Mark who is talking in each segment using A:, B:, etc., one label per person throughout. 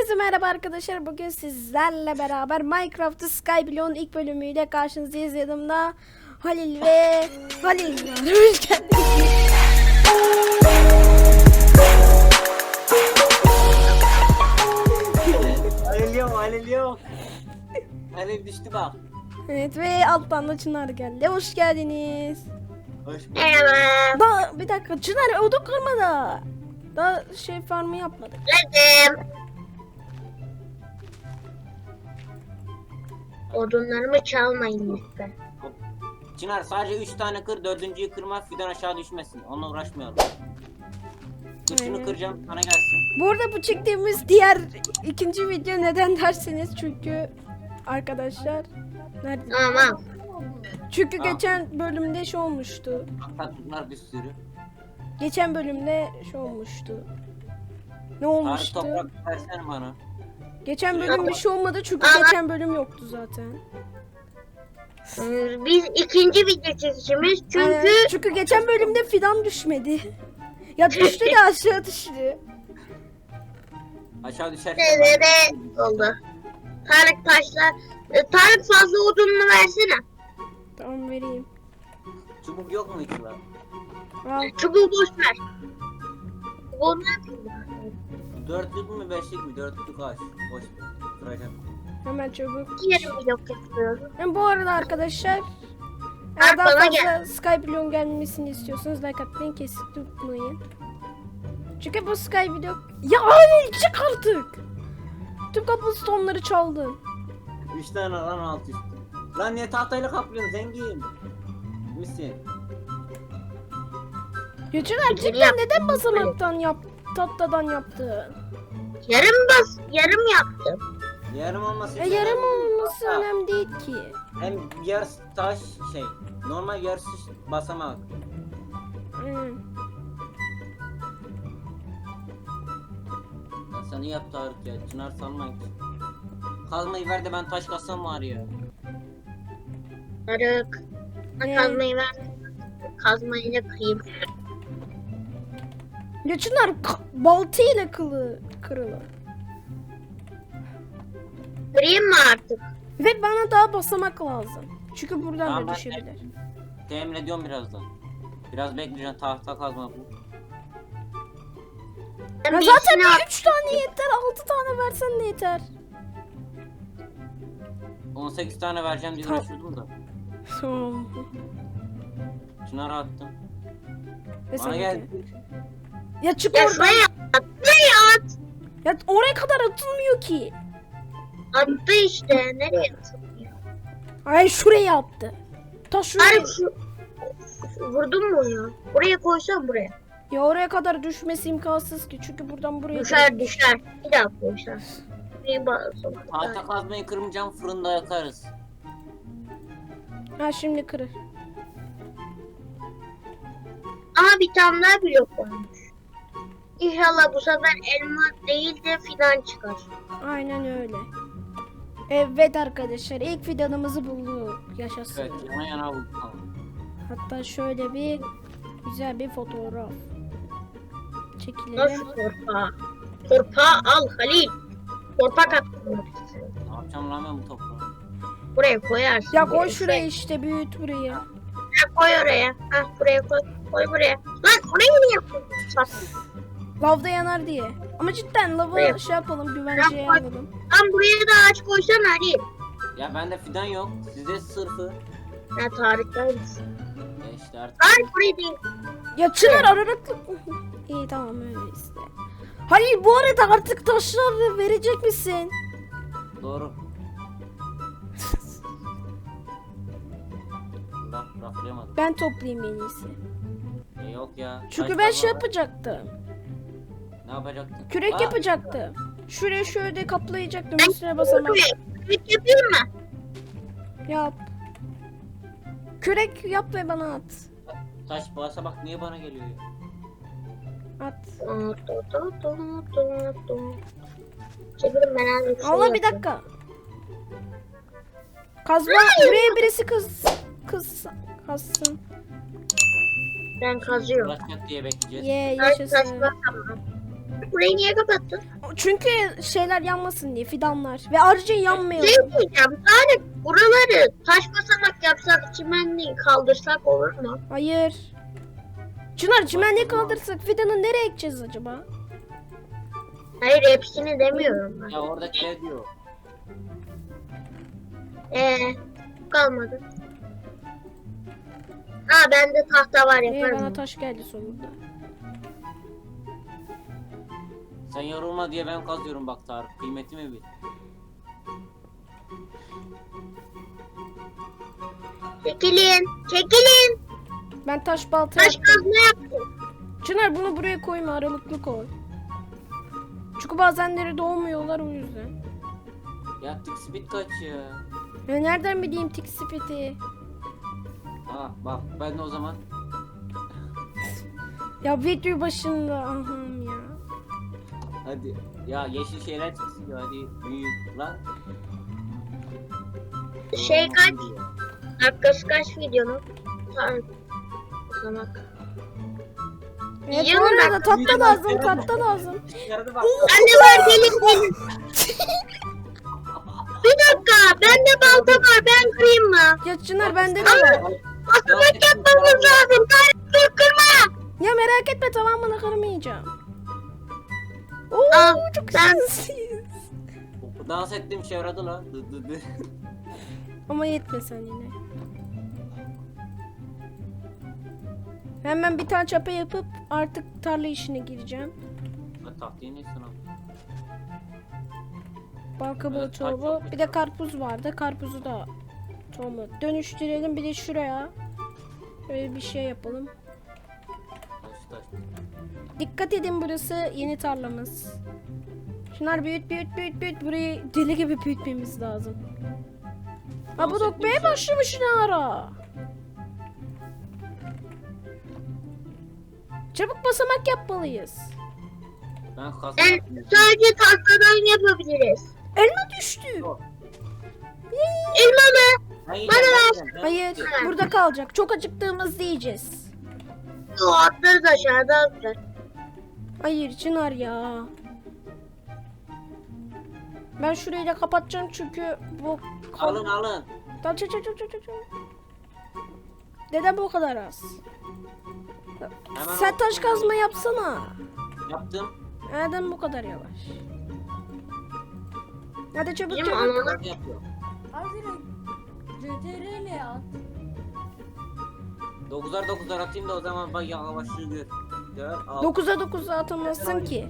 A: Herkese merhaba arkadaşlar. Bugün sizlerle beraber Minecraft Skyblock'un ilk bölümüyle karşınızdayız. Yanımda Halil ve Halil var. Hoş geldiniz.
B: Halil yok. Halil düştü bak.
A: Evet ve alttan da Çınar geldi. Hoş geldiniz.
B: Hoş bulduk.
A: Daha bir dakika Çınar odun kırmadı. Daha farmı yapmadık.
C: Odunlarımı çalmayın lütfen.
B: Çınar sadece 3 tane kır, 4.'yü kırma, fidan aşağı düşmesin. Onunla uğraşmayalım. Dur şunu
A: Aynen.
B: kıracağım, sana gelsin.
A: Bu arada bu çektiğimiz diğer ikinci video neden derseniz çünkü arkadaşlar nerede?
C: Tamam.
A: Çünkü
B: Aa.
A: geçen bölümde olmuştu.
B: Tatlılar bir sürü.
A: Geçen bölümde olmuştu. Ne
B: Tarık
A: olmuştu?
B: toprak versene bana.
A: Geçen bölüm bir şey olmadı çünkü geçen bölüm yoktu zaten.
C: Biz ikinci video çekişimiz çünkü
A: Çünkü geçen bölümde fidan düşmedi. Ya düştü de aşağı düştü.
B: Aşağı düşerse
C: nerede oldu. Tarık taşlar. Tarık fazla odununu versene.
A: Tamam vereyim.
B: çubuk yok mu hiç lan?
A: Al.
C: Çubuğu boş ver. Çubuğu ne yapayım?
B: 4'lük mü 5'lik mi? 4'lük ağaç. Boş kıracağım.
A: Hemen çabuk.
C: Yarım blok yapıyorum.
A: Bu arada arkadaşlar eğer
C: Tarık
A: daha
C: bana
A: fazla
C: gel.
A: Skyblock'un gelmesini istiyorsanız like atmayı kesip tutmayın. Çünkü bu Skyblock... Ya abi çık artık! Tüm cobblestone'ları çaldın.
B: 3 tane lan alt üstü. Lan niye tahtayla kaplıyorsun zengin? Misin?
A: Geçen cidden neden basamaktan tatlıdan yaptın?
C: Yarım yaptım.
B: Yarım olması
A: Yarım olması
B: Ha.
A: önemli değil ki.
B: Hem yarısı taş normal yarısı basamak.
A: Hmm.
B: Ya sen iyi yap Tarık ya. Çınar salmayın. Kazmayı ver de ben taş kassam var ya.
C: Tarık.
A: Ne?
C: Kazmayı ver. Kazmayı da kıyayım.
A: Ya Çınar baltayla kırılır.
C: Kırayım mı artık?
A: Ve bana daha basamak lazım. Çünkü buradan
B: Tamam,
A: da
B: ben
A: düşebilir.
B: Temin ediyorum birazdan. Biraz bekleyeceğim tahta kazma bu.
C: Ben
A: Ya
C: bir
A: zaten
C: işini
A: 3 tane yeter, 6 tane versen de yeter.
B: 18 tane vereceğim diye
A: Tamam.
B: uğraşıyordum da.
A: Tamam.
B: Çınar'a attım.
A: Ve
B: Bana
A: sen
B: geldi.
A: Ya çık
C: Ya
A: oradan.
C: şuraya at. Şuraya at.
A: Ya oraya kadar atılmıyor ki.
C: Attı işte. Nereye attı?
A: Ay şuraya attı. Ta şuraya.
C: Tarık vurdun mu ya? Buraya koysam buraya.
A: Ya oraya kadar düşmesi imkansız ki. Çünkü buradan buraya
C: Düşer. Bir daha koysam. Bir basın.
B: Tahta kazmayı kırmayacağım fırında yakarız.
A: Ha şimdi kırır.
C: Ama bir tane daha blok varmış. İnşallah bu sefer elma değil de fidan çıkar.
A: Aynen öyle. Evet arkadaşlar ilk fidanımızı bulduk. Yaşasın.
B: Evet yana yana bulduk.
A: Hatta şöyle bir güzel bir fotoğraf çekilelim.
C: Nasıl torpağı? Torpağı al Halil. Torpak attım.
B: Ne yapacağım lan ben bu toprağı?
C: Buraya koyarsın.
A: Ya koy şuraya işte büyüt burayı.
C: Ha, koy oraya. Ha, buraya koy. Koy buraya. Lan oraya niye yapıyorsun?
A: Lavda yanar diye. Ama cidden lava
C: Buraya.
A: yapalım güvenceye
C: Bak.
A: alalım.
C: Lan buraya da ağaç koysana Halil.
B: Ya bende fidan yok. Sizde sırfı.
C: Ha Tarık'tan mısın?
B: Ya işte artık.
C: Tarık buraya değil.
A: Ya Çınar aralıklı. İyi tamam öyle işte. Hayır bu arada artık taşları verecek misin?
B: Doğru. Raflayamadım.
A: Ben toplayayım en iyisi.
B: Yok ya.
A: Çünkü
B: Taş
A: ben
B: kazma var.
A: yapacaktım.
B: Ne yapacaktın?
A: Kürek
B: Aa,
A: yapacaktım. Şuraya şöyle kaplayacaktım
C: Ben
A: üstüne basamak.
C: kürek yapayım mı?
A: Yap. Kürek yap ve bana at.
B: Taş basa bak niye bana geliyor ya?
A: At.
C: Çevirin ben az bir şey
A: Allah bir
C: yapayım.
A: dakika. Kazma buraya birisi kazsın.
C: Ben kazıyorum.
B: Uğraşacak diye bekleyeceğiz.
A: Ye
C: Tarık
A: yaşasın.
C: kazma tamam. burayı niye kapattın?
A: Çünkü şeyler yanmasın diye, fidanlar. Ve ayrıca yanmıyor.
C: Ne diyeceğim? Sadece buraları taş basamak yapsak, çimenliği kaldırsak olur mu?
A: Hayır. Çınar çimenliği kaldırsak fidanı nereye ekeceğiz acaba?
C: Hayır, hepsini demiyorum ben.
B: Ya oradaki ne diyor?
C: Kalmadı. Aa, bende tahta var, yaparım.
A: Bana taş geldi sonunda.
B: Sen yorulma diye ben kazıyorum bak Tarık. Kıymetimi bil.
C: Çekilin, çekilin.
A: Ben taş balta
C: Taş
A: yaptım.
C: kazma yaptım.
A: Çınar bunu buraya koyma, aralıklı koy. Çünkü bazenleri doğmuyorlar o yüzden.
B: Ya tık speed kaç ya?
A: Ya nereden bileyim tik spiti?
B: Ha bak ben de o zaman.
A: Ya video başında aham ya.
B: Hadi. Ya yeşil şeyler çıksın ya hadi büyük lan.
C: Şey kaç? Dakikası kaç videonun? Tanrım. Basamak.
A: Evet, bu
C: Yiyorum
A: arada
C: ben.
A: tatlı lazım, tatlı lazım.
B: Yardı bak.
C: Bende var, gelin gelin. Bir dakika, bende balta var, ben kırayım mı?
A: Ya Çınar bende de var.
C: Basamak yapmamız lazım. Tarık, dur kırma.
A: Ya merak etme, tamamını kırmayacağım. Oo
C: Al,
A: çok
C: ben-
A: şanslıyız.
B: Dans ettiğim şey yaradı lan. Dı dı dı.
A: Ama yetmesen yine. Hemen bir tane çapa yapıp artık tarla işine gireceğim.
B: Lan tahtayı ne sana?
A: Bal kabuğu
B: Evet,
A: tohumu.
B: çok
A: Bir de karpuz vardı. Karpuzu da tohumu dönüştürelim. Bir de şuraya böyle bir şey yapalım.
B: Taş.
A: Dikkat edin, burası yeni tarlamız. Şunlar büyüt. Burayı deli gibi büyütmemiz lazım. Ha bu dokmaya başlamış ne ara? Çabuk basamak yapmalıyız.
B: Ben kazma
C: Ben
B: yapmıyorum.
C: sadece tahtadan yapabiliriz.
A: Elma düştü.
C: Elma mı?
B: Ben yiyeceğim, ben yiyeceğim.
A: Hayır, burada kalacak. Çok acıktığımızda yiyeceğiz.
C: O atlarız aşağıda atlar.
A: Hayır Çınar ya. Ben şurayı da kapatacağım çünkü bu...
B: Alın.
A: Tamam, çek. Neden bu kadar az?
B: Hemen
A: Sen
B: al.
A: taş kazma yapsana.
B: Yaptım.
A: Neden bu kadar yavaş? Hadi çabuk
C: Benim
A: çabuk.
C: anlamak
B: Kazma yapıyorum.
D: Abi CTRL ile at.
B: 9'ar 9'ar atayım da o zaman bak yavaşlığı gör. Gör al.
A: 9'a 9'a atamazsın ki.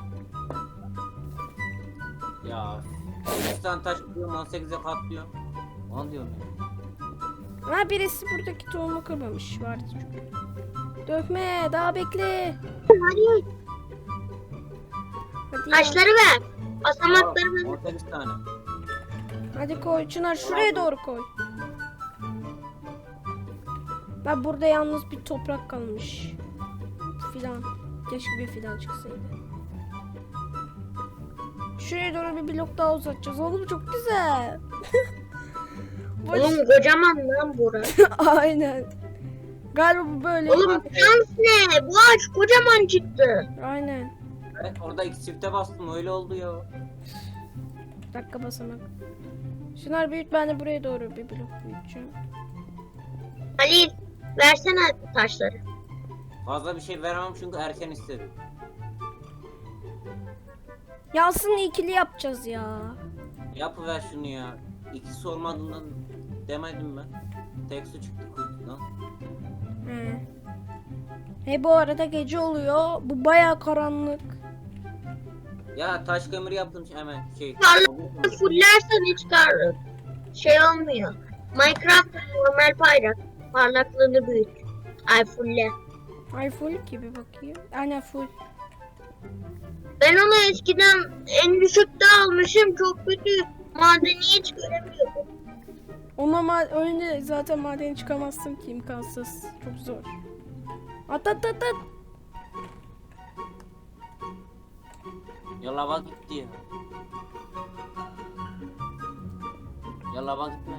B: Ya 3 tane taş atıyorum 18'e katlıyorum. Onu diyorum ya.
A: Ha birisi buradaki tohumu kırmamış. Vardı çünkü. Dökme, daha bekle.
C: Hadi
A: Hadi ya.
C: taşları ver. Basamakları ver.
B: 18 tane.
A: Hadi koy Çınar, şuraya doğru koy. Ben burada yalnız bir toprak kalmış. Fidan. Keşke bir fidan çıksaydı. Şuraya doğru bir blok daha uzatacağız. Oğlum çok güzel.
C: Oğlum kocaman lan burası.
A: Aynen. Galiba bu böyle.
C: Oğlum şans ne? Bu ağaç kocaman çıktı.
A: Aynen.
B: Evet orada iki çifte bastım öyle oldu ya.
A: Dakika basamak. Şunlar büyüt, ben de buraya doğru bir blok büyüteceğim.
C: Halil, versene taşları.
B: Fazla bir şey veremem çünkü erken istedim.
A: Ya aslında ikili yapacağız ya.
B: Yapıver şunu ya. İkisi olmadığından demedim ben. Tek su çıktı kuytudan.
A: He bu arada gece oluyor. Bu baya karanlık.
B: Ya taş kömür yaptım hemen şey.
C: Parlak fullersen hiç şey olmuyor. Minecraft normal parlaklığını büyüt. Ay fulle.
A: Ay full gibi bakayım. Aynen full.
C: Ben onu eskiden en düşükte almışım. Çok kötü. Madeni hiç göremiyordum.
A: Ona öyle zaten madeni çıkamazsın ki, imkansız. Çok zor. At.
B: Ya lava gitti ya. Ya lava gitme.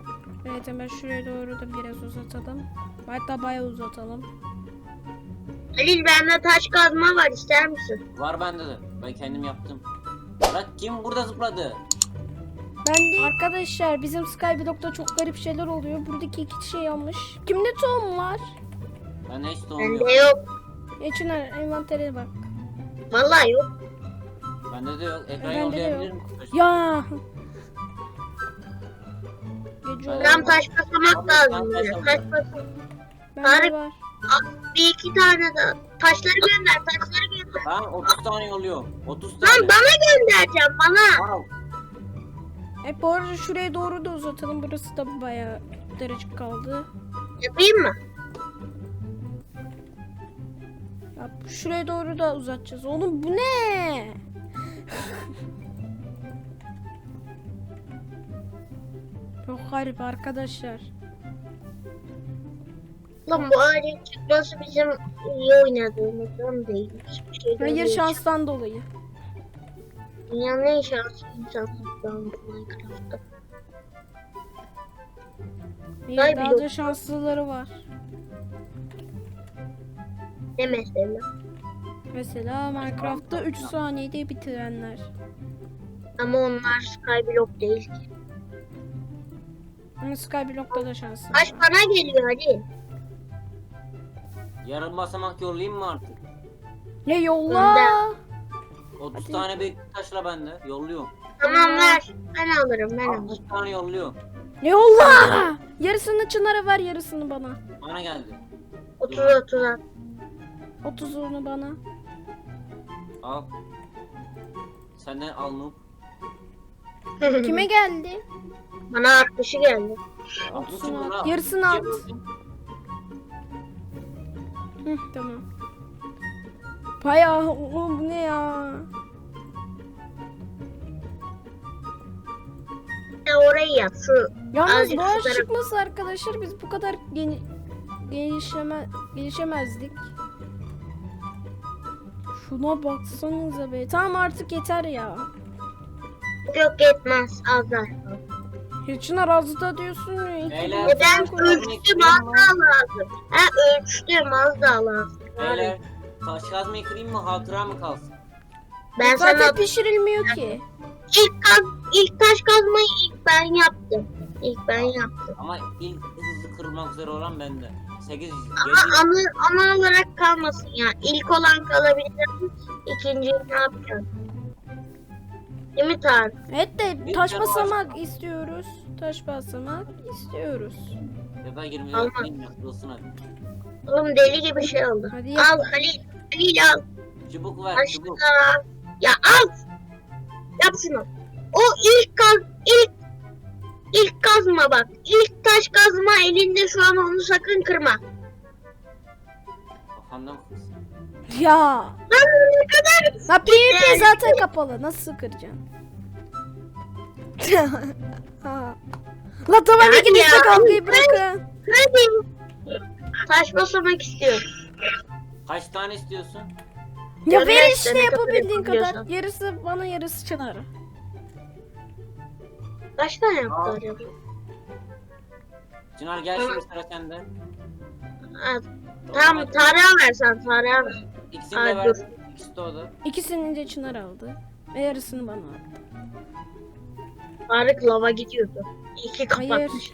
A: Evet hemen şuraya doğru da biraz uzatalım. Hatta bayağı uzatalım.
C: Halil bende taş kazma var, ister misin?
B: Var bende de. Ben kendim yaptım. Lan kim burada zıpladı?
A: Ben de arkadaşlar bizim Skyblock'ta çok garip şeyler oluyor. Buradaki iki kişi yanlış. Kimde tohum var?
B: Bende hiç tohum
C: Bende
B: yok.
C: yok.
A: Çınar envantere bak.
C: Vallahi yok.
B: Bende de yok. Ekran
A: Bende de
B: yollayabilir
A: yok.
B: misin?
A: Ya. Gece
B: Ben-
A: oldu.
C: Tam taş basamak lazım
B: Taş
C: bize.
B: aldım.
C: Taş basamak.
A: Bende
C: Tarık.
A: var.
C: Bir iki tane daha. Taşları gönder, taşları gönder.
B: Tamam 30 tane yolluyorum. 30
C: Lan
B: tane.
C: bana göndereceğim, bana.
B: Al.
A: Bu arada şuraya doğru da uzatalım. Burası da bayağı daracık kaldı.
C: Yapayım mı?
A: Ya şuraya doğru da uzatacağız. Oğlum bu ne? Çok garip arkadaşlar.
C: Lan bu ağacın çıkması bizim iyi oynadığımızdan değil. Hiçbir şey
A: Hayır
C: değil.
A: şanstan dolayı.
C: Dünyanın en şanslı insanlarından Minecraft'ta.
A: Hayır,
C: Vay
A: daha
C: be.
A: da şanslıları var.
C: Ne mesela?
A: Mesela Minecraft'ta 3 saniyede bitirenler.
C: Ama onlar Skyblock değil ki.
A: Ama Skyblock'ta da şanslı.
C: Taş bana geliyor hadi.
B: Yarım basamak yollayayım mı artık?
A: Ne yolla?
B: 30
A: Hadi.
B: tane büyük taşla bende. Yolluyorum.
C: Tamam ver. Ben alırım, ben
B: 60
C: alırım.
B: tane yolluyorum.
A: Ne yolla? Yarısını Çınar'a ver, yarısını bana.
B: Bana geldi.
C: 30 at.
A: 30'unu bana.
B: Al. Senden al Noob.
A: Kime geldi?
C: Bana 60'ı geldi.
A: 30'unu at. Yarısını at. Hı, tamam. Bayağı oğlum bu ne ya?
C: Orayı yap şu.
A: Yalnız
C: Azıcık
A: boğaz
C: şu taraf-
A: çıkması arkadaşlar biz bu kadar gelişemezdik. Şuna baksanıza be. Tamam artık yeter ya.
C: Yok yetmez, az daha.
A: Ya Çınar az da diyorsun ya. iki
B: Beyler,
A: gün
C: Ben
A: sonra koy-
C: ölçtüm, az daha lazım. Ha ölçtüm, az daha lazım.
B: Beyler taş kazmayı kırayım mı hatıra mı kalsın?
C: Ben
A: Zaten
C: sana
A: pişirilmiyor ki.
C: ilk taş kazmayı ilk ben yaptım. İlk ben yaptım.
B: Ama ilk hızlı kırılmak üzere olan bende. 8
C: Ama ana olarak kalmasın ya. İlk olan kalabilir. İkinciyi ne yapacağım? Değil mi Tarık?
A: Evet de
B: Bir
A: taş
B: tane
A: basamak istiyoruz. Taş basamak istiyoruz.
B: ya da 20
C: Olmaz.
B: değil mi? Kırılsın hadi.
C: Oğlum deli gibi şey oldu.
A: Hadi yap.
C: Al Halil. Halil al.
B: Çubuk ver
C: Başla.
B: çubuk.
C: Ya al. Yap şunu. O ilk kazma bak. İlk taş kazma elinde şu an, onu sakın kırma.
B: Kafamdan kırsın.
A: Ya.
C: Lan ne kadar.
A: La PvP zaten kapalı. Nasıl kıracaksın? Ha. La tamam
C: Yani
A: ikiniz de
C: ya.
A: kavgayı bırakın.
C: Hadi. Taş basamak istiyorum.
B: Kaç tane istiyorsun?
A: Ya
C: Görüyor
A: ver
C: işte
A: işte
C: ne kadar
A: yapabildiğin kadar.
C: yapabiliyorsan.
A: Yarısı bana yarısı Çınar'a.
C: Kaç tane yaptı
B: Al.
C: acaba?
B: Çınar gel
C: Tamam.
B: şimdi sıra sende.
C: Ha, tamam Tarık'a versen, Tarık'a ver.
B: İkisini
C: Ay,
B: de ver.
C: dur.
B: İkisi de o da.
A: İkisini de Çınar aldı. Ve yarısını bana aldı.
C: Tarık lava gidiyordu. İki
A: Hayır.
C: kapatmış.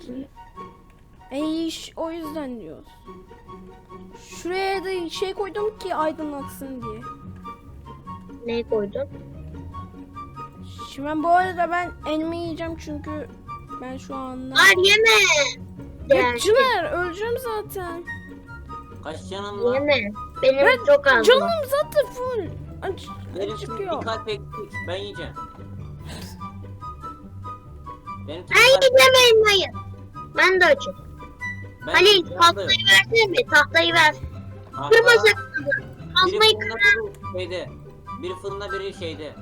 A: O yüzden diyoruz. Şuraya da şey koydum ki aydınlatsın diye.
C: Ne koydun?
A: Şimdi ben bu arada ben elma yiyeceğim çünkü ben şu anda...
C: Var yeme.
A: Ya
C: Yani,
A: Çınar öleceğim zaten.
B: Kaç canın var?
C: yeme. Benim
A: Ben
C: çok az var.
A: Canım zaten full.
B: Benim şimdi
A: Çıkıyor.
B: bir kalp eksik. Ben yiyeceğim. Benim tek
C: Ben
B: kalp-
C: yiyeceğim elmayı. Ben de açım.
B: Ben
C: Halil
B: yandım.
C: tahtayı versene mi? Tahtayı ver.
B: Tahta-
C: Kırma sakın.
B: Biri
C: Kazmayı
B: fırında
C: kır.
B: biri şeyde. Biri fırında biri şeyde.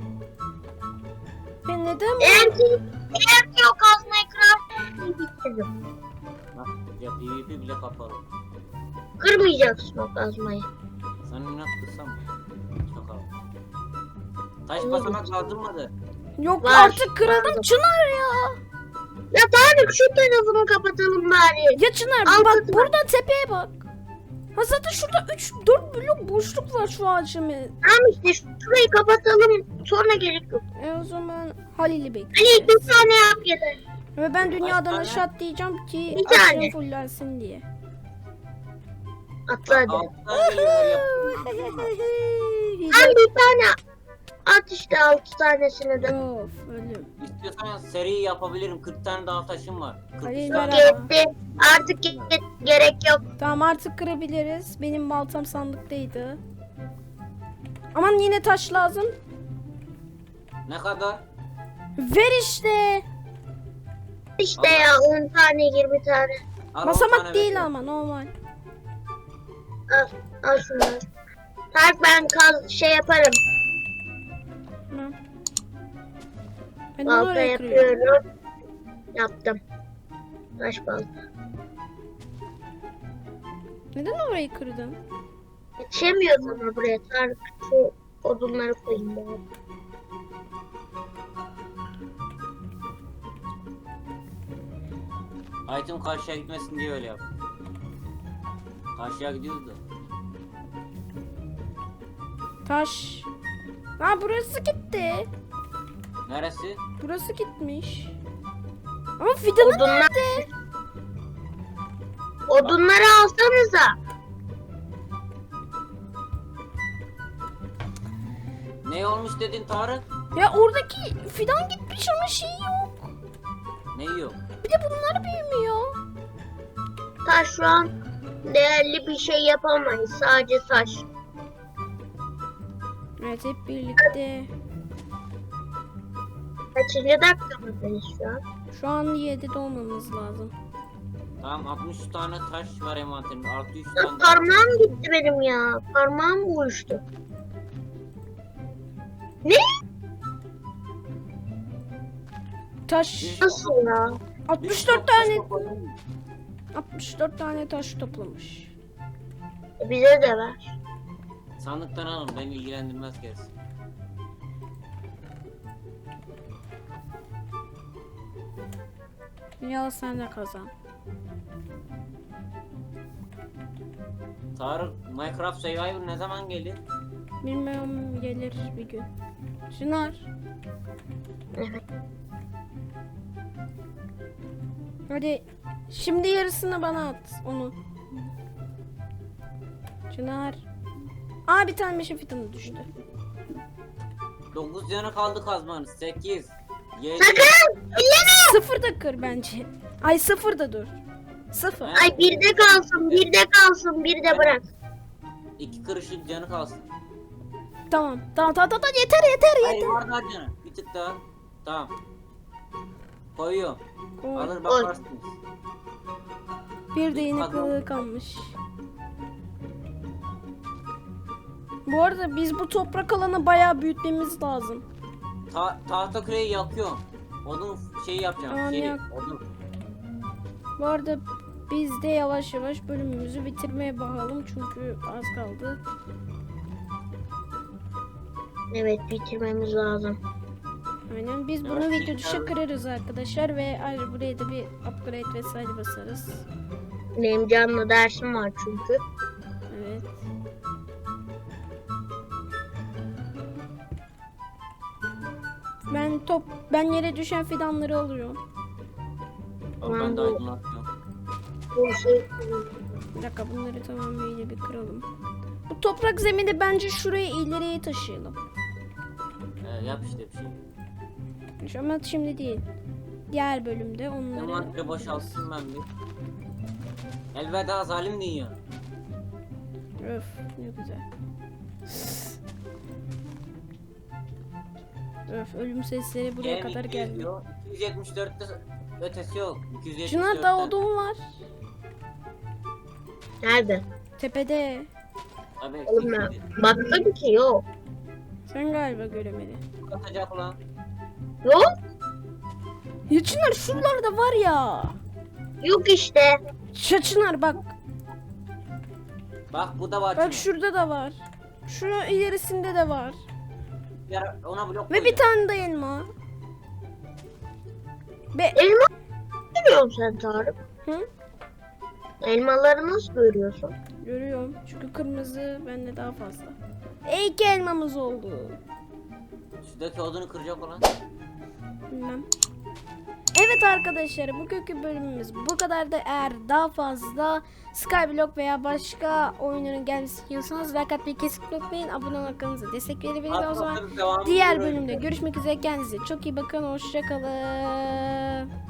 A: Ben neden
C: Eğer ki o kazmayı kırarsan bitirdim.
B: Bak ya PvP bile kapalı.
C: Kırmayacaksın o kazmayı.
B: Sen inat kırsam mı? Çakal. Taş basamak kaldırmadı.
A: Yok
C: Var.
A: artık kırıldım
C: Var.
A: Çınar ya.
C: Ya Tarık şu tarafını kapatalım bari.
A: Ya Çınar
C: Al
A: bak
C: kızım.
A: burada tepeye bak. Ha zaten şurada 3-4 blok boşluk var şu ağacımı.
C: Tamam işte şurayı kapatalım. Sonra gerek yok.
A: O zaman Halil'i
C: Hani
A: bekleyeceğiz.
C: bir tane yap yeter.
A: Ve ben dünyadan
B: tane?
A: aşağı atlayacağım ki
C: Bir tane.
A: aşağı fullensin diye.
C: Atla hadi.
B: Alttan geliyor yap.
C: Tam bir tane at işte 6 tanesini de.
A: Of ölüm.
B: İstiyorsan seri yapabilirim. 40 tane daha taşım var. 43
A: Hayır,
B: tane.
A: merhaba.
C: Yetti. Artık gerek yok.
A: Tamam artık kırabiliriz. Benim baltam sandıktaydı. Aman yine taş lazım.
B: Ne kadar?
A: Ver işte.
C: İşte ya 10 tane 20 tane.
B: Al, 10
A: Basamak
B: tane
A: değil
B: veriyorum.
A: ama normal.
C: Al şunları. Tarık ben şey yaparım.
A: Tamam. Ben
C: Balta
A: oraya kırıyorum.
C: yapıyorum. Yaptım. Taş balta.
A: Neden orayı kırdın?
C: Yetişemiyoruz ama buraya Tarık. Şu odunları koyayım ben.
B: Item karşıya gitmesin diye öyle yap. Karşıya gidiyoruz da.
A: Taş. Ha burası gitti.
B: Neresi?
A: Burası gitmiş. Ama fidanı
C: Odunlar-
A: nerede?
C: Odunları alsanıza.
B: Ne olmuş dedin Tarık?
A: Ya oradaki fidan gitmiş ama şey yok.
B: Ne yok?
A: Bir de bunlar büyümüyor.
C: Taş şu an değerli bir şey yapamayız. Sadece taş.
A: Evet hep birlikte.
C: Kaçıncı dakikamızdayız şu an?
A: Şu an 7'de olmamız lazım.
B: Tamam 60 tane taş var envanterimde. Artı 3
C: Ya
B: tane.
C: parmağım gitti benim ya. Parmağım uyuştu. Ne?
A: Taş
C: Nasıl ya?
A: 64 tane 64 tane taş toplamış.
C: Bize de ver.
B: Sandıktan alın, beni ilgilendirmez gerisi.
A: Ya sen de kazan.
B: Tarık, Minecraft Survivor ne zaman gelir?
A: Bilmiyorum gelir bir gün. Çınar.
C: Evet.
A: Hadi şimdi yarısını bana at onu. Çınar. Aa bir tane meşe fidanı düştü.
B: 9 canı kaldı kazmanız. 8 7
C: Sakın! Elleme!
A: 0 da kır bence. Ay 0 da dur. 0.
C: Ay bir de kalsın, bir de kalsın, bir de bırak.
B: 2 kırışık canı kalsın.
A: Tamam. Tamam yeter
B: Hayır
A: yeter.
B: var daha canı. Bir tık daha. Tamam. Koyuyorum.
A: Koy.
B: Alır bakarsınız.
A: Bir de yeni kılığı kalmış. Bu arada biz bu toprak alanı bayağı büyütmemiz lazım.
B: Tahta küreği yakıyorum. Odun şeyi yapacağım.
A: Tamam,
B: Şey,
A: yak.
B: odun.
A: Bu arada biz de yavaş yavaş bölümümüzü bitirmeye bakalım çünkü az kaldı.
C: Evet, bitirmemiz lazım.
A: Aynen biz bunu
B: Evet,
A: video dışı kırarız arkadaşlar ve ayrıca buraya da bir upgrade vesaire basarız.
C: Benim canlı dersim var çünkü.
A: Evet. Ben yere düşen fidanları alıyorum.
B: Ama ben de aydınlatıyorum.
C: Bu şey
A: Bir dakika bunları tamamıyla bir kıralım. Bu toprak zemini bence şuraya ileriye taşıyalım.
B: Yap işte bir şey.
A: Ama şimdi değil. Diğer bölümde onları...
B: Envanteri boşaltayım ben bir. Elveda zalim dünya.
A: Öf ne güzel. Öf ölüm sesleri buraya
B: Gene
A: kadar
B: 200
A: geldi.
B: diyor. 274'te ötesi yok. 274'te.
A: Çınar da odun var.
C: nerede?
A: Tepede.
B: Abi
C: Oğlum ben baktım ki yok.
A: Sen galiba göremedin.
B: katacak ulan.
C: Yok.
A: Ya Çınar şuralarda var ya.
C: Yok işte.
A: Çınar bak.
B: Bak bu da var.
A: Bak
B: Çınar.
A: şurada da var. Şu ilerisinde de var.
B: Ona blok
A: Ve bir tane de elma.
C: Elma görüyor musun sen Tarık?
A: Hı?
C: Elmaları nasıl görüyorsun?
A: Görüyorum. Çünkü kırmızı bende daha fazla. 2 elmamız oldu.
B: Şuradaki odunu kıracak olan.
A: Bilmem. Evet arkadaşlar, bugünkü bölümümüz bu kadar da. Eğer daha fazla Skyblock veya başka oyunların gelmesini istiyorsanız like atmayı kesinlikle unutmayın. Abone olmayı, kanalımıza destek verebiliriz. O zaman
B: Atmasanız devam
A: diğer
B: ediyoruz.
A: bölümde görüşmek üzere. Kendinize çok iyi bakın. Hoşça kalın.